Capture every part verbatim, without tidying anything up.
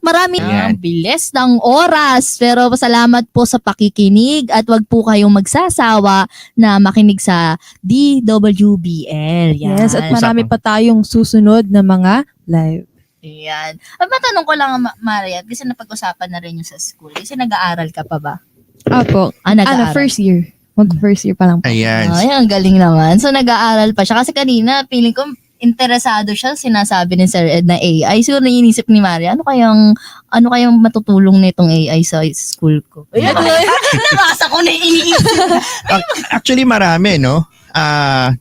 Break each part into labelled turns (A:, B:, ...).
A: marami
B: Ayan.
A: ang bilis ng oras. Pero salamat po sa pakikinig at wag po kayong magsasawa na makinig sa D W B L. Yan.
C: Yes, at marami pa tayong susunod na mga live.
A: Yan. At matanong ko lang, Ma- Maria, kasi napag-usapan na rin yung sa school. Kasi nag-aaral ka pa ba?
C: Apo.
A: Ah, nag-aaral.
C: Ano, first year. Mag first year pa lang po.
B: Ayan.
A: Ay, ang galing naman. So, nag-aaral pa siya. Kasi kanina, feeling ko, interesado siya, sinasabi ni Sir Ed na A I. Siguro naiinisip ni Maria, ano kayang, ano kayang matutulong nitong A I sa school ko? Ayan, nabasa ko na iniisip.
B: Actually, marami, no? Ah,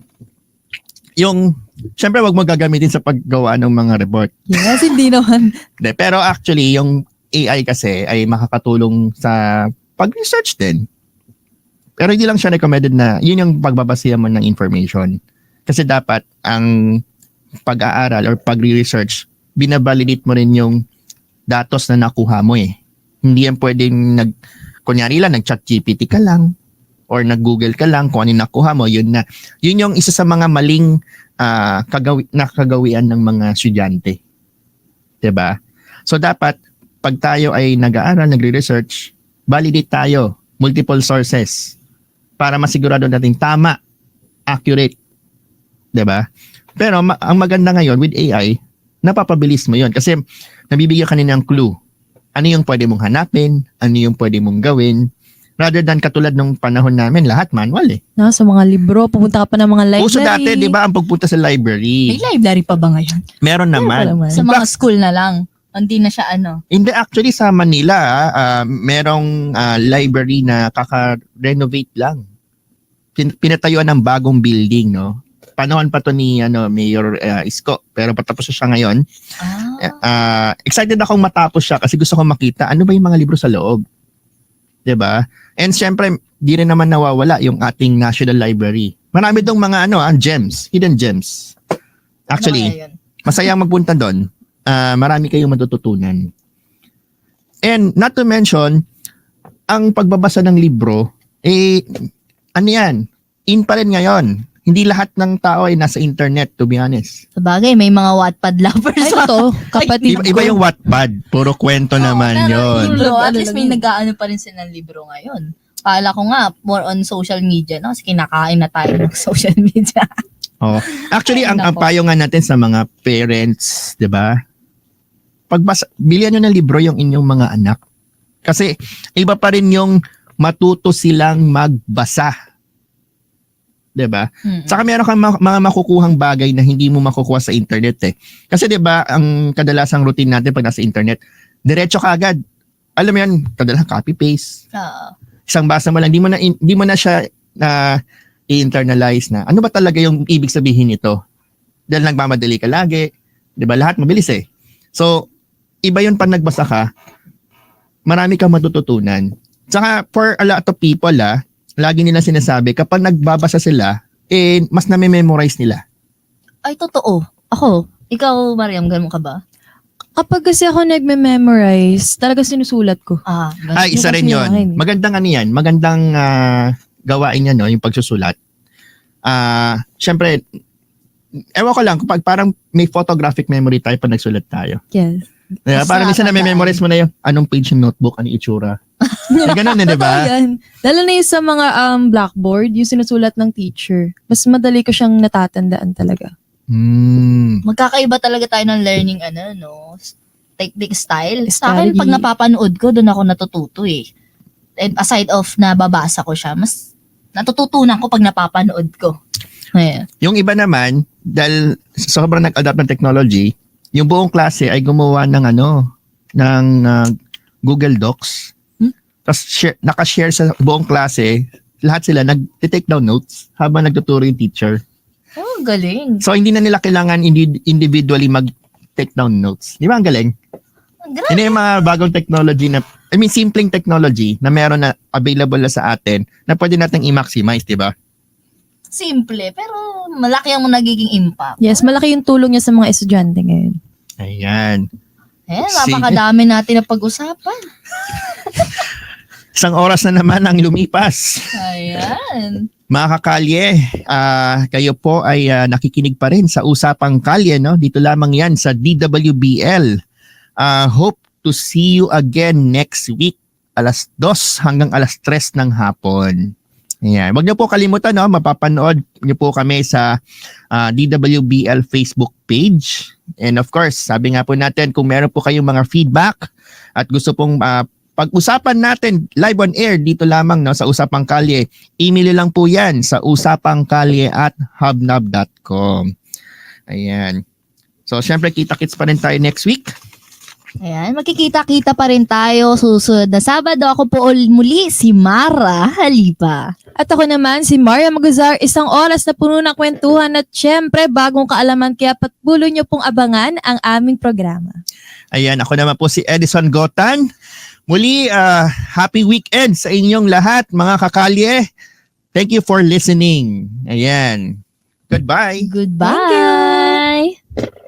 B: yung, syempre, wag mo gagamitin sa paggawa ng mga report.
C: Yes, hindi naman.
B: De, pero actually, yung A I kasi ay makakatulong sa pag-research din. Pero hindi lang siya recommended na yun yung pagbabasihan mo ng information. Kasi dapat ang pag-aaral or pag-research, binabalidate mo rin yung datos na nakuha mo eh. Hindi yan pwedeng nag, kunyari lang, nag-chat G P T ka lang or nag-Google ka lang kung ano yung nakuha mo, yun na. Yun yung isa sa mga maling uh, kagawi, nakagawian ng mga estudyante. Diba? So dapat, pag tayo ay nag-aaral, nagre-research, validate tayo, multiple sources, para masigurado natin tama, accurate. Diba? Pero ma- ang maganda ngayon with A I, napapabilis mo yon kasi nabibigyan ka nila ng clue. Ano yung pwede mong hanapin, ano yung pwede mong gawin, rather than katulad nung panahon namin, lahat manual eh.
C: No, sa mga libro, pupunta ka pa ng mga library.
B: Uso dati, di ba, ang pagpunta sa library?
A: May library pa ba ngayon?
B: Meron naman.
C: naman.
A: Sa mga school na lang. Hindi na siya ano.
B: Hindi, actually sa Manila, ah, merong ah, library na kaka-renovate lang. Pin- pinatayuan ng bagong building, no? Panahon pa to ni ano, Mayor ah, Isko, pero patapos na siya ngayon.
A: Ah.
B: Ah, excited akong matapos siya kasi gusto kong makita ano ba yung mga libro sa loob. 'Di ba? And syempre, di rin naman nawawala yung ating National Library. Marami dong mga ano, ah, gems, hidden gems. Actually,
A: Ano kaya yun?
B: masayang magpunta doon. Ah, marami kayong matututunan. And not to mention, ang pagbabasa ng libro, eh, ano yan? In pa rin ngayon. Hindi lahat ng tao ay nasa internet, to be honest.
A: Sa bagay, may mga Wattpad lovers.
C: Ay, ito, kapatid
B: Iba, iba
C: ko.
B: yung Wattpad. Puro kwento naman yon.
A: Libro, at
C: Ano
A: least
C: lang
A: may
C: yun.
A: nag-aano pa rin sila ng libro ngayon. Kala ko nga, more on social media, no? Kasi kinakain na tayo ng social media.
B: Oh. Actually,
A: Ay,
B: ang, ang
A: nako.
B: payo nga natin sa mga parents, di ba? Pagbasa, bilihan nyo ng libro yung inyong mga anak. Kasi iba pa rin yung matuto silang magbasa. Di ba?
A: Mm-mm.
B: Saka meron kang ma- mga makukuhang bagay na hindi mo makukuha sa internet eh. Kasi 'di ba, ang kadalasang routine natin pag nasa internet, diretso ka agad. Alam mo 'yan, kadalasang copy paste.
A: Oo.
B: Isang basa mo lang, hindi mo na hindi mo na siya na i-internalize na. Ano ba talaga yung ibig sabihin nito? Dahil nagmamadali ka lagi, 'di ba? Lahat mabilis eh. So, iba 'yun pag nagbasa ka, marami kang matututunan. Saka for a lot of people ah, lagi nila sinasabi, kapag nagbabasa sila, eh, mas nami-memorize nila.
A: Ay, totoo. Ako, ikaw, Mariam, ganun ka ba?
C: Kapag kasi ako nagme-memorize, talaga sinusulat ko.
A: Ah, ganun.
B: Ay, isa
C: Yung
B: rin
C: kasi
B: yun.
C: yung akin eh.
B: Magandang ano yan. Magandang ah, gawain yan, no, yung pagsusulat. Ah, syempre, ewan ko lang, kapag parang may photographic memory tayo pag nagsulat tayo.
C: Yes.
B: Diba?
A: Mas
B: Parang minsan
A: nakakatandaan.
B: nami-memorize mo na yung anong page ng notebook, anong itsura. May ganun eh, di
C: Totoo
B: ba?
C: yan. Lalo na yung sa mga um, blackboard, yung sinusulat ng teacher. Mas madali ko siyang natatandaan talaga.
B: Hmm.
A: Magkakaiba talaga tayo ng learning, ano, no? Technique style. Sa
C: Style,
A: akin, pag
C: y-
A: napapanood ko, doon ako natututo eh. And aside of nababasa ko siya, mas natututunan ko pag napapanood ko. Ayan.
B: Yung iba naman, dahil sobrang nag-adapt ng technology, yung buong klase ay gumawa ng ano, ng ah, Google Docs.
A: Hmm?
B: Tapos share, nakashare sa buong klase, lahat sila nag-take down notes habang nagtuturo yung teacher.
A: Oh, galing.
B: So hindi na nila kailangan indi- individually mag-take down notes. Di ba ang galing?
A: Grabe.
B: Yun yung mga bagong technology na, I mean, simpleng technology na meron na available na sa atin na pwede natin i-maximize, di ba?
A: Simple, pero malaki ang nagiging impact.
C: Yes, malaki yung tulong niya sa mga estudyante ngayon.
B: Ayan.
A: Eh,
B: Sige.
A: napakadami natin na pag-usapan.
B: Isang oras na naman ang lumipas.
A: Ayan.
B: Mga kakalye, ah, kayo po ay ah, nakikinig pa rin sa Usapang Kalye, no? Dito lamang yan sa D W B L. Ah, hope to see you again next week, alas dos hanggang alas tres ng hapon. Ayan. Huwag niyo po kalimutan, no? Mapapanood niyo po kami sa uh, D W B L Facebook page. And of course, sabi nga po natin, kung meron po kayong mga feedback at gusto pong uh, pag-usapan natin live on air dito lamang, no, sa Usapang Kalye, email lang po yan sa usapangkalye at hubnab dot com. Ayan. So, syempre, kita-kits pa rin tayo next week.
A: Ayan, magkikita-kita pa rin tayo susunod na Sabado. Ako po ul- muli si Mara Halipa.
C: At ako naman si Maria Maguzar, isang oras na puno ng kwentuhan at syempre bagong kaalaman, kaya patuloy niyo pong abangan ang aming programa.
B: Ayan, ako naman po si Edison Gotan. Muli, uh, happy weekend sa inyong lahat, mga kakalye. Thank you for listening. Ayan. Goodbye.
A: Goodbye.